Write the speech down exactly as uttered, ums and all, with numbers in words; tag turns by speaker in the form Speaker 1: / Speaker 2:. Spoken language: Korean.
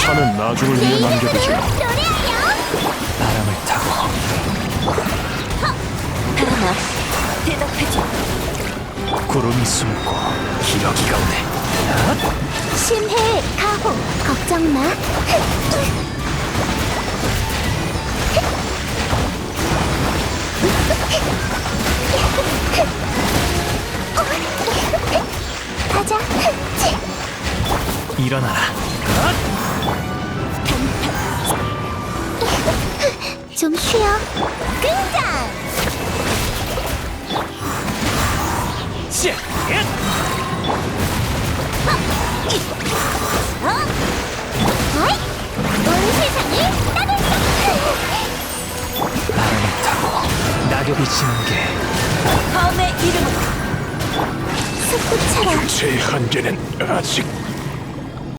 Speaker 1: 산은 나중을 위해 남겨두지.
Speaker 2: 노래하여.
Speaker 3: 바람을 타고
Speaker 2: 바람아, 대답하지.
Speaker 3: 구름이 숨고 기러기가 오네.
Speaker 2: 심해 가호. 걱정 마. 가자.
Speaker 3: 일어나라.
Speaker 2: 좀 쉬어. 등장.
Speaker 3: 씨!
Speaker 2: 어이, 온 세상을 따돌려.
Speaker 3: 바람을 타고 낙엽이 지는 게
Speaker 2: 검의 이름으로 숲꽃처럼
Speaker 1: 제 한계는 아직